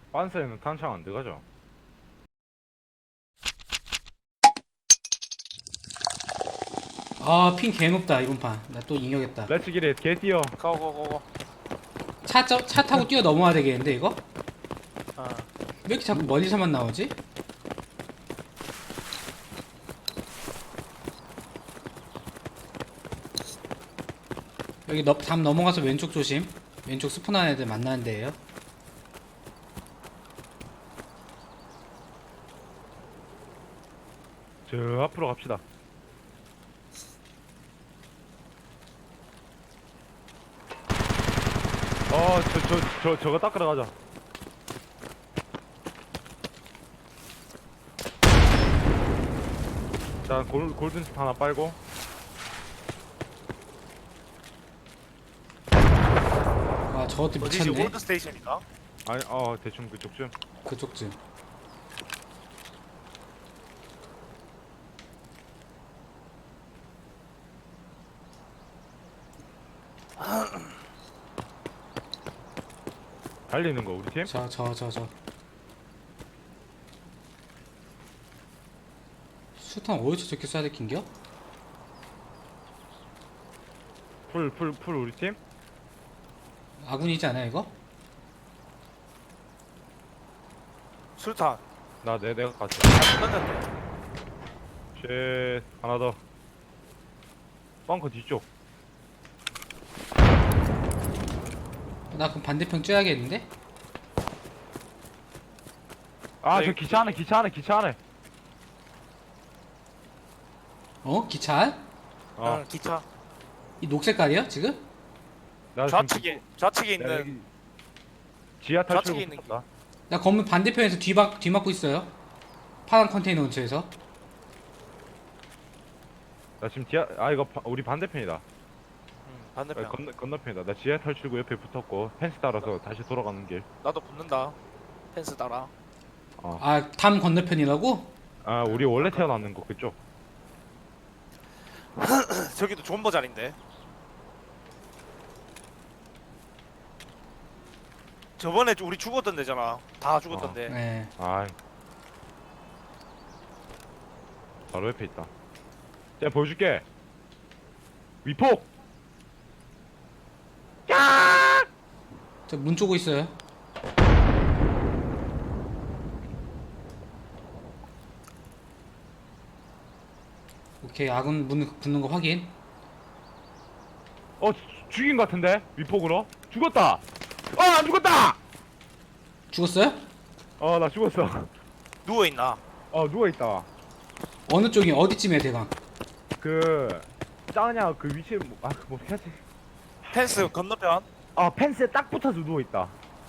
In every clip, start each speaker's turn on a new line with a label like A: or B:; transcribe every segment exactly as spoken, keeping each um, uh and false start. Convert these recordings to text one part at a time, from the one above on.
A: 빤스에는 탄창 안 들어가죠.
B: 아, 핑 개높다 이번 판. 나 또 이겨겠다.
A: 렛츠 기릿 개 뛰어.
C: 고고고고.
B: 차, 차, 차 타고 뛰어 넘어야 되겠는데 이거?
C: 어.
B: 왜 이렇게 자꾸 멀리서만 나오지? 여기 너, 담 넘어가서 왼쪽 조심. 왼쪽 스폰한 애들 만나는 데에요.
A: 저 앞으로 갑시다. 어, 저, 저, 저, 저거 닦으러 가자. 자, 골, 골든칩 하나 빨고.
B: 와, 저것도
C: 어디지?
B: 미쳤네.
C: 올드 스테이션인가?
A: 아니, 어, 대충 그쪽쯤.
B: 그쪽쯤.
A: 달리는 거, 우리 팀?
B: 저, 저, 저, 저. 수탄 어디서 저렇게 쏴야 될 낀겨?
A: 풀, 풀, 풀, 우리 팀?
B: 아군이지 않아요 이거?
C: 술탄.
A: 나, 내, 내가 갔어.
C: 다 끝났네.
A: 쉣, 하나 더. 벙커 뒤쪽.
B: 나 그럼 반대편 쬐야겠는데?
A: 아,
C: 네,
A: 저 기차 안에, 기차 안에, 기차 안에.
B: 어? 기차?
A: 어,
C: 응, 기차.
B: 이 녹색깔이야 지금?
A: 나 지금
C: 좌측에 좌측에
A: 내가
C: 있는
A: 여기 지하
C: 좌측에
A: 탈출구
C: 있는
A: 붙었다.
B: 나 건물 반대편에서 뒤막, 뒤막고 있어요. 파란 컨테이너 근처에서.
A: 나 지금 지하, 아, 이거 바- 우리 반대편이다.
C: 응,
A: 아,
C: 반대편.
A: 건너, 건너편이다. 나 지하 탈출구 옆에 붙었고, 펜스 따라서 다시 돌아가는 길.
C: 나도 붙는다. 펜스 따라.
A: 어.
B: 아, 담 건너편이라고?
A: 아, 우리 원래 태어났는 거 그쪽.
C: 저기도 존버 자리인데. 저번에 우리 죽었던 데잖아. 다 죽었던
A: 어.
C: 데.
B: 네.
A: 아, 바로 옆에 있다. 제가 보여줄게. 위폭.
B: 저 문 쪼고 있어요. 오케이, 아군 문 붙는 거 확인.
A: 어, 주- 죽인 것 같은데? 위폭으로? 죽었다. 어, 안 죽었다.
B: 죽었어요?
A: 어, 나 죽었어.
C: 누워 있나?
A: 어, 누워 있다.
B: 어느 쪽이 어디쯤이야 대강?
A: 그 짜냐 그 위치에 뭐, 아, 뭐 해야지.
C: 펜스 건너편.
A: 아, 펜스에 딱 붙어서 누워 있다.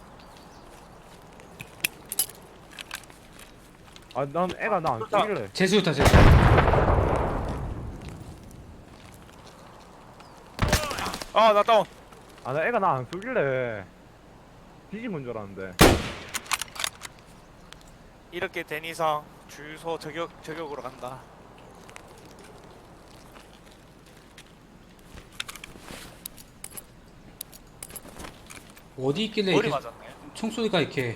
A: 아, 난 애가 나 안
C: 좋다.
A: 쏘길래.
B: 재수였다 재수.
C: 아, 나 다운.
A: 아, 나 애가 나 안 쏘길래 뒤진 건 줄 알았는데.
C: 이렇게 된 이상 주유소 저격 저격으로 간다.
B: 어디 있길래
C: 머리
B: 이렇게
C: 맞았네.
B: 총소리가 이렇게.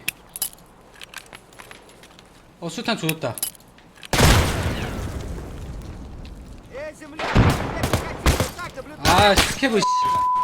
B: 어, 수탄 조졌다. 아, 스케브 씨.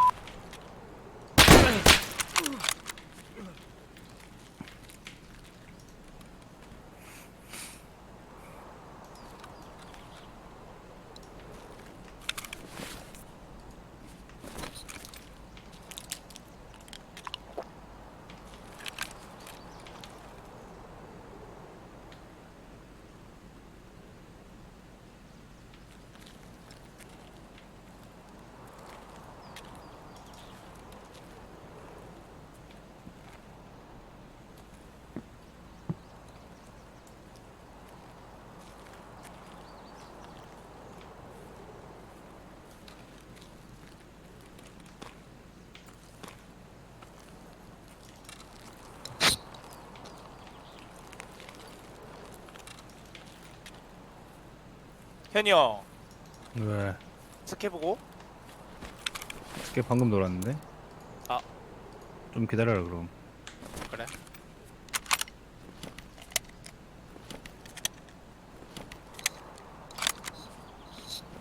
C: 현이 형
D: 왜?
C: 스케 보고.
D: 스케 방금 놀았는데?
C: 아.
D: 좀 기다려라 그럼.
C: 그래.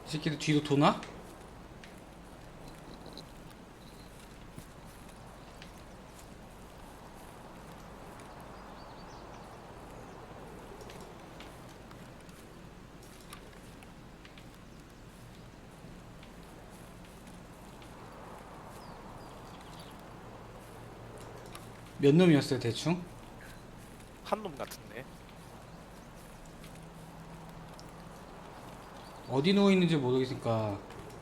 B: 이 새끼들 뒤로 도나? 몇 놈이었어요 대충?
C: 한 놈 같은데.
B: 어디 누워있는지 모르겠으니까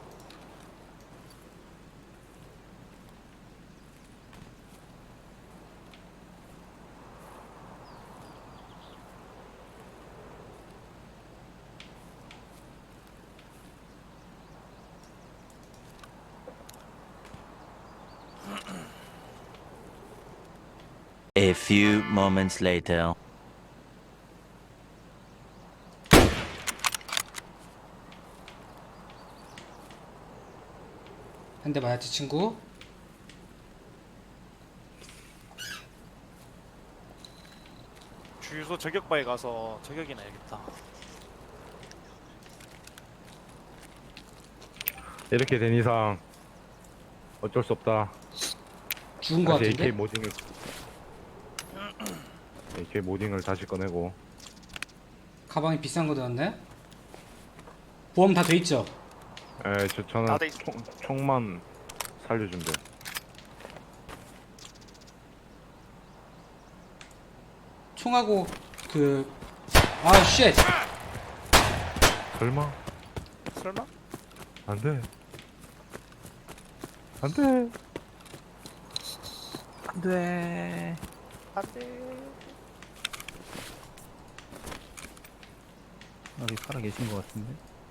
E: A few moments later.
B: 한 대 맞았지 친구?
C: 주유소 저격바에 가서 저격이나 해야겠다.
A: 이렇게 된 이상 어쩔 수 없다.
B: 죽은 거
A: 다시
B: 같은데?
A: 에이케이 모딩을 에이케이 모딩을 다시 꺼내고.
B: 가방에 비싼 거 들었네? 보험 다 돼 있죠?
A: 에, 저 저는
C: 다 돼 있-
A: 총, 총만 살려주면 돼.
B: 총하고 그... 아 쉣!
A: 설마?
C: 설마?
A: 안 돼. 안 돼.
D: 안 돼.
C: 안돼.
D: 여기 살아 계신 것 같은데.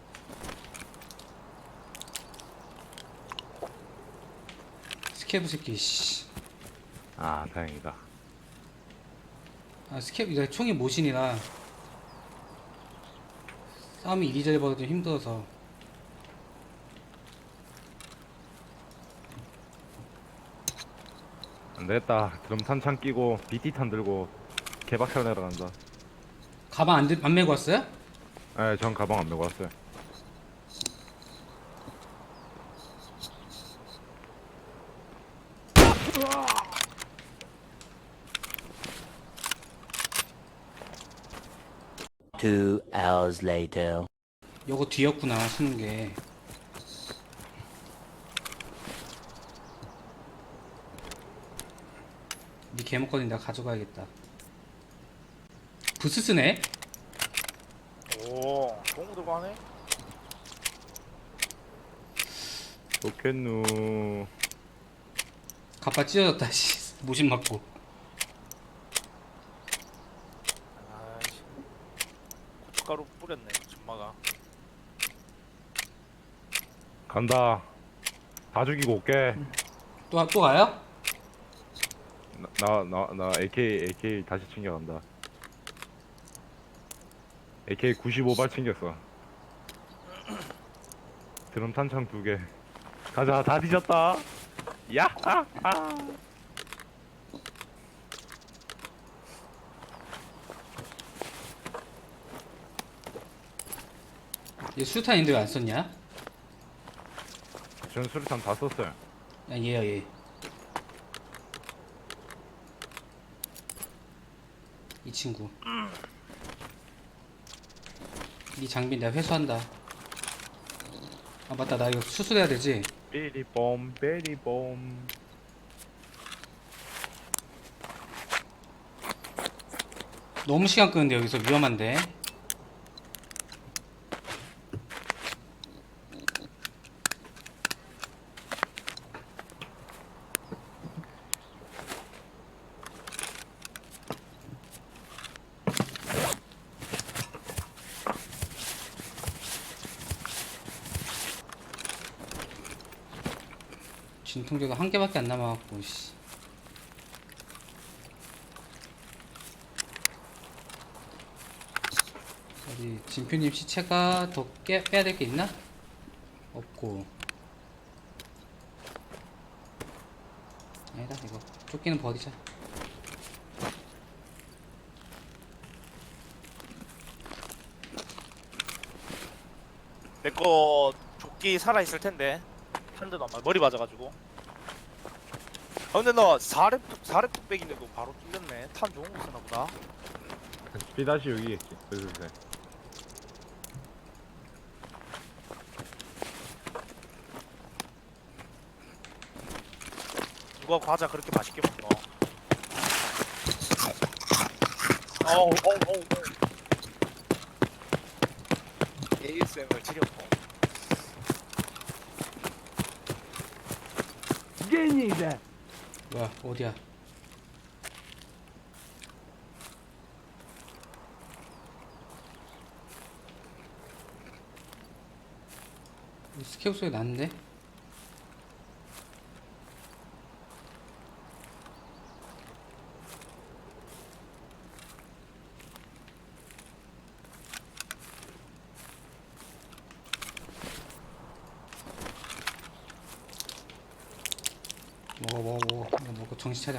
B: 스케브 새끼 씨.
A: 아, 다행이다.
B: 아 스케브 내가 총이 모신이라 싸움이 이리저리 벌어도 좀 힘들어서.
A: 안 되겠다. 드럼 탄창 끼고 비티탄 들고 개박살 내러 간다.
B: 가방 안, 들- 안 메고 왔어요?
A: 에, 전 가방 안 메고 왔어요.
E: Two hours later.
B: 요거 뒤였구나 쓰는 게. 니 개목걸이 내가 가져가야겠다. 부스 쓰네?
C: 오, 동우 들고 하네.
A: 좋겠누.
B: 갑바 찢어졌다 씨. 모신 맞고.
C: 아이씨. 고춧가루 뿌렸네, 전마가.
A: 간다. 다 죽이고 올게.
B: 또, 또 가요?
A: 나, 나, 나 에이케이, 에이케이 다시 챙겨간다. 에이케이 구십오 발 챙겼어. 드럼 탄창 두 개. 가자, 다 뒤졌다. 야! 아! 아!
B: 얘 수류탄인데 왜 안 썼냐?
A: 전 수류탄 다 썼어요.
B: 야 얘야 얘. 이 친구. 이 장비 내가 회수한다. 아 맞다 나 이거 수술해야 되지?
A: 삐리봄, 삐리봄.
B: 너무 시간 끄는데 여기서 위험한데. 진통제가 한 개밖에 안 남아갖고 씨. 어디 진표님 시체가 더 깨, 빼야 될 게 있나? 없고. 아니다 이거 조끼는 버리자.
C: 내거 조끼 살아있을 텐데 한 대도 안 맞아. 머리 맞아가지고. 아 근데 너 사렙 사렙 뚝배기인데도 바로 뚫렸네. 탄 좋은 거 쓰나 보다.
A: 비다시 여기겠지. 슬슬.
C: 누가 과자 그렇게 맛있게 먹어? 어우 어우 어우 에이에스엠알 지렸고.
B: 뭐야 어디야? 스케프 소리 났는데? 먹어 먹어 먹어 이거 먹고 정신 차려.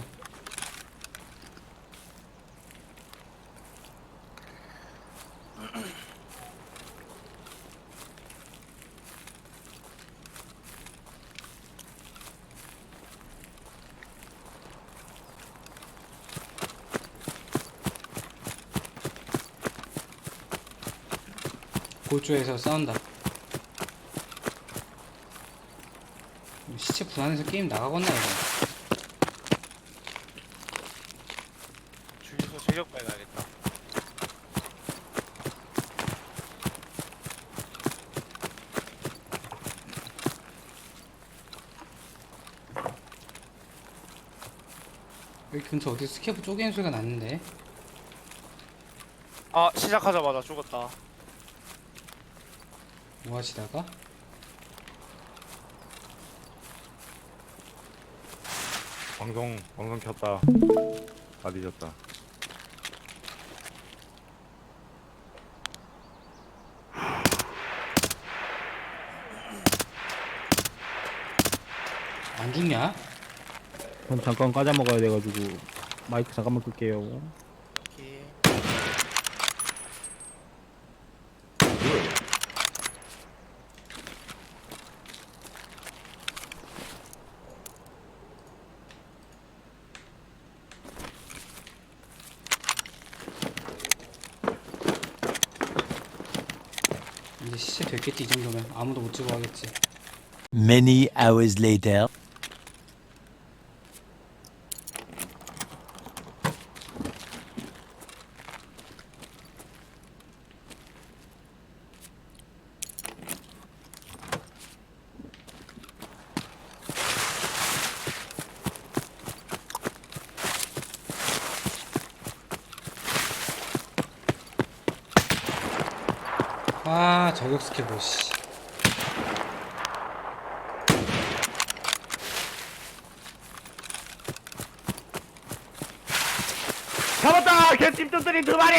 B: 골조에서 싸운다. 시체 분한해서 게임 나가겠나 이거.
C: 주유소 제격발 가야겠다.
B: 여기 근처 어디 스케프 쪼개는 소리가 났는데.
C: 아 시작하자마자 죽었다.
B: 뭐 하시다가?
A: 방송 방송 켰다. 다 뒤졌다.
B: 안 죽냐?
D: 전 잠깐 과자 먹어야 돼가지고 마이크 잠깐만 끌게요.
C: 오케이.
B: 이제 시체 됐겠지 이 정도면. 아무도 못 찍어 하겠지.
E: Many hours later.
B: 아 저격 스케프 씨.
A: 잡았다! 개찜통들이 두 마리!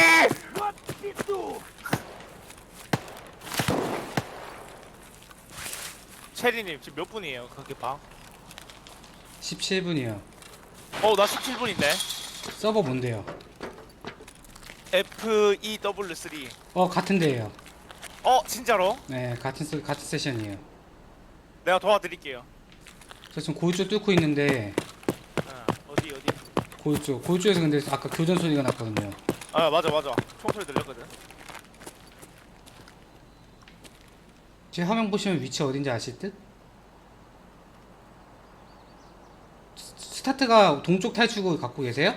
C: 체리님 지금 몇 분이에요? 그게 방?
B: 십칠 분이요.
C: 어나 십칠 분인데.
B: 서버 뭔데요?
C: 에프 이 더블유 쓰리.
B: 어 같은 데예요.
C: 어 진짜로?
B: 네 같은 세, 같은 세션이에요.
C: 내가 도와드릴게요.
B: 저 지금 골조 뚫고 있는데
C: 어, 어디 어디?
B: 골조 골조에서 근데 아까 교전 소리가 났거든요.
C: 아 맞아 맞아. 총소리 들렸거든.
B: 제 화면 보시면 위치 어딘지 아실 듯? 스- 스타트가 동쪽 탈출구 갖고 계세요?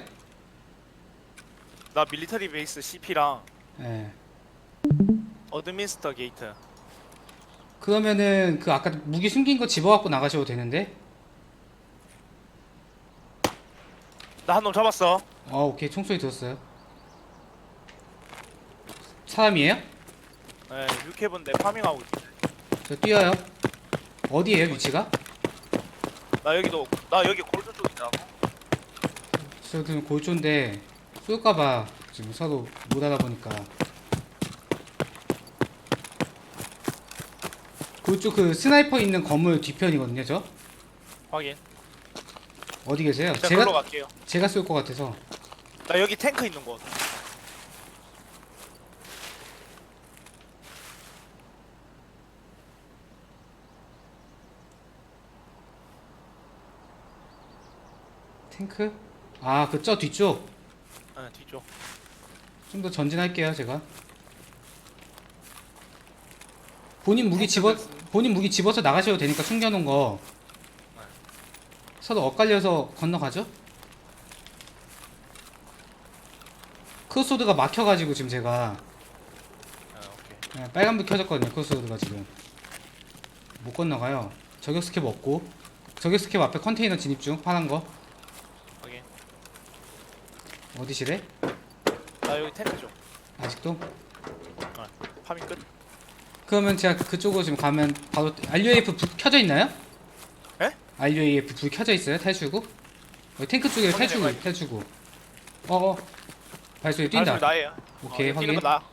C: 나 밀리터리 베이스 씨피랑
B: 네.
C: 어드민스터 게이트.
B: 그러면은 그 아까 무기 숨긴 거 집어갖고 나가셔도 되는데?
C: 나 한 놈 잡았어.
B: 어 오케이 총소리 들었어요. 사람이에요?
C: 네, 육해분데 파밍하고 있어.
B: 저 뛰어요. 어디에요 위치가?
C: 나 여기도 나 여기 골드 쪽이라고.
B: 저 지금 골조인데 쏠까봐 지금 서로 못 알아보니까. 골조 그 스나이퍼 있는 건물 뒤편이거든요 저?
C: 확인.
B: 어디 계세요?
C: 제가
B: 제가
C: 글로 갈게요.
B: 제가 쏠 것 같아서.
C: 나 여기 탱크 있는 곳.
B: 탱크? 아, 그 저 뒤쪽.
C: 네, 뒤쪽.
B: 좀 더 전진할게요, 제가. 본인 무기 집어 본인 무기 집어서 나가셔도 되니까 숨겨놓은 거. 서로 엇갈려서 건너가죠? 크로스로드가 막혀가지고 지금 제가
C: 아, 오케이.
B: 네, 빨간불 켜졌거든요. 크로스로드가 지금 못 건너가요. 저격 스캡 없고 저격 스캡 앞에 컨테이너 진입 중 파란 거
C: 확인.
B: 어디시래?
C: 나 여기 탱크 쪽.
B: 아직도?
C: 파밍 끝.
B: 그러면 제가 그쪽으로 지금 가면 바로 알유에이에프 불 켜져 있나요?
C: 에?
B: 알유에이에프 불 켜져 있어요? 탈출구? 여기 탱크 쪽에
C: 확인해
B: 탈출구
C: 봐요.
B: 탈출구 어어 발소리 뛴다.
C: 발소리 나예요.
B: 오케이,
C: 어,
B: 확인.
C: 뛰는 거 나.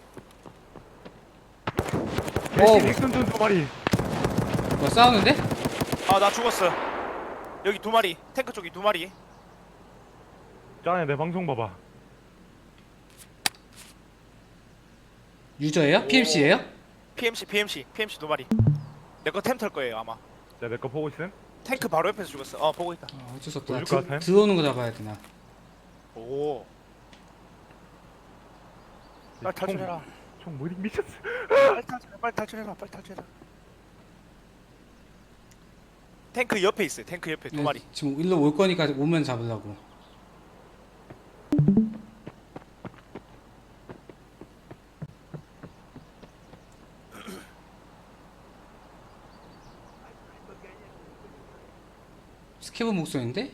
B: 오.
A: 닉슨전 두 마리.
B: 뭐 싸우는데?
C: 아, 나 죽었어. 여기 두 마리. 탱크 쪽이 두 마리.
A: 짠해 내 방송 봐봐.
B: 유저예요?
C: 오.
B: 피엠씨예요?
C: 피엠씨, 피엠씨, 피엠씨 두 마리. 내 거 템 털 거예요 아마.
A: 자, 내 거 보고 있음.
C: 탱크 바로 옆에서 죽었어. 어, 보고 있다.
B: 어, 어쩔 수 없다.
A: 보여줄 것
B: 드,
A: 같아요?
B: 들어오는 거 잡아야 되나?
C: 오. 빨리 탈출해라.
A: 총 뭐니 미쳤어.
C: 빨리 탈출해. 빨리 탈출해라. 빨리 탈출해라. 탱크 옆에 있어요. 탱크 옆에 두
B: 네,
C: 마리.
B: 지금 일로 올 거니까 오면 잡으려고. 스케브 목소리인데?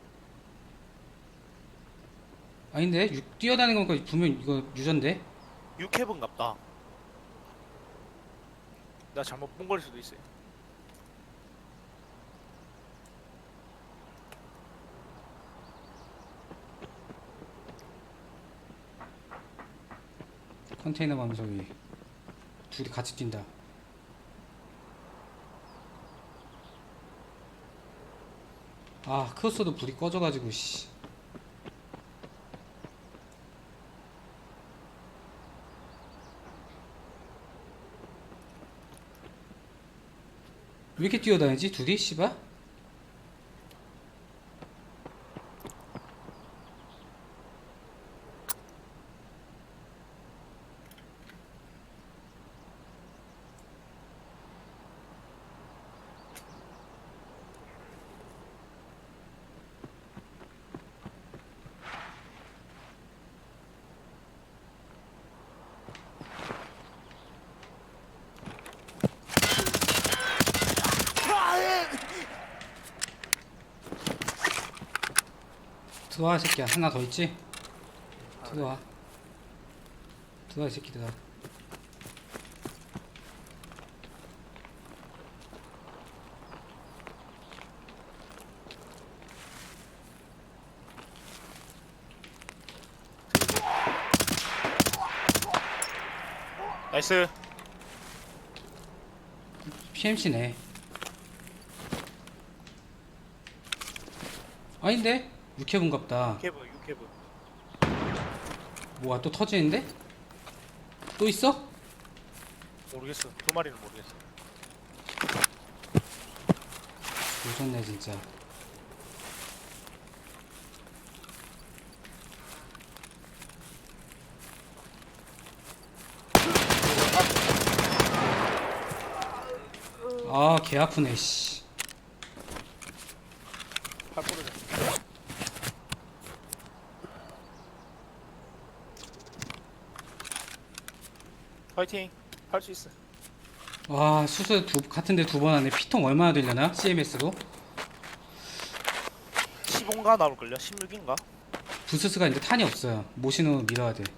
B: 아닌데? 유, 뛰어다니는 거니까 분명 이거 유전데?
C: 육해분갑다. 나 잘못 본 걸 수도 있어요.
B: 컨테이너 가면 저기 둘이 같이 뛴다. 아, 크로스도 불이 꺼져가지고 씨. 왜 이렇게 뛰어다니지? 둘이? 씨발? 들어와, 이 새끼야. 하나 더 있지? 들어와. 들어와, 이 새끼들아.
C: 나이스.
B: 피엠씨네. 아닌데? 육해분갑다.
C: 육해분, 육해분.
B: 뭐가 또 터지는데? 또 있어?
C: 모르겠어. 두 마리는 모르겠어.
B: 오졌네 진짜. 아, 개 아프네 씨.
C: 팔 부러져. 파이팅. 할 수 있어.
B: 와, 수술 두 같은데 두 번 하네. 피통 얼마나 되려나? 씨엠에스로?
C: 십오인가 나올걸요? 십육인가?
B: 부스스가 이제 탄이 없어요. 모신으로 밀어야 돼.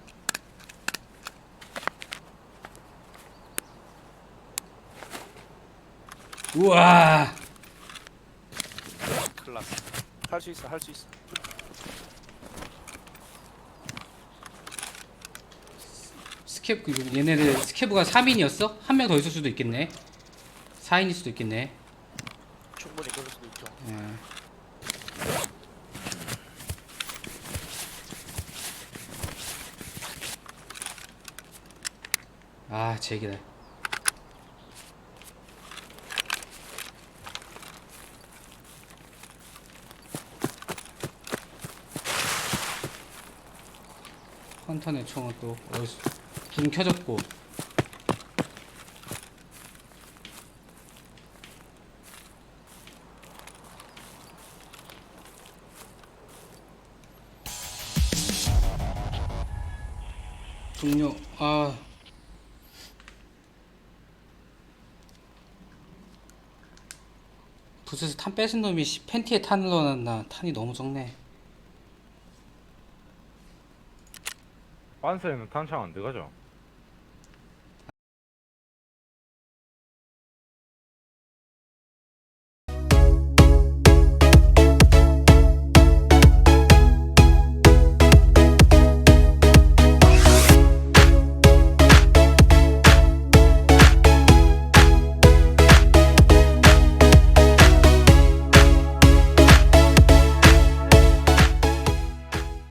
B: 우와.
C: 클라스. 할 수 있어. 할 수 있어.
B: 스캡 그 얘네들 스캡브가 삼 인이었어? 한 명 더 있을 수도 있겠네. 사 인일 수도 있겠네.
C: 충분히 그럴 수도 있죠.
B: 예. 아, 제기다. 헌터네 총은 또 어디서 불 켜졌고. 동료 아 부스에서 탄 뺏은 놈이 씨, 팬티에 탄을 넣어놨나. 탄이 너무 적네.
A: 빤스에는 탄창 안 들어가죠?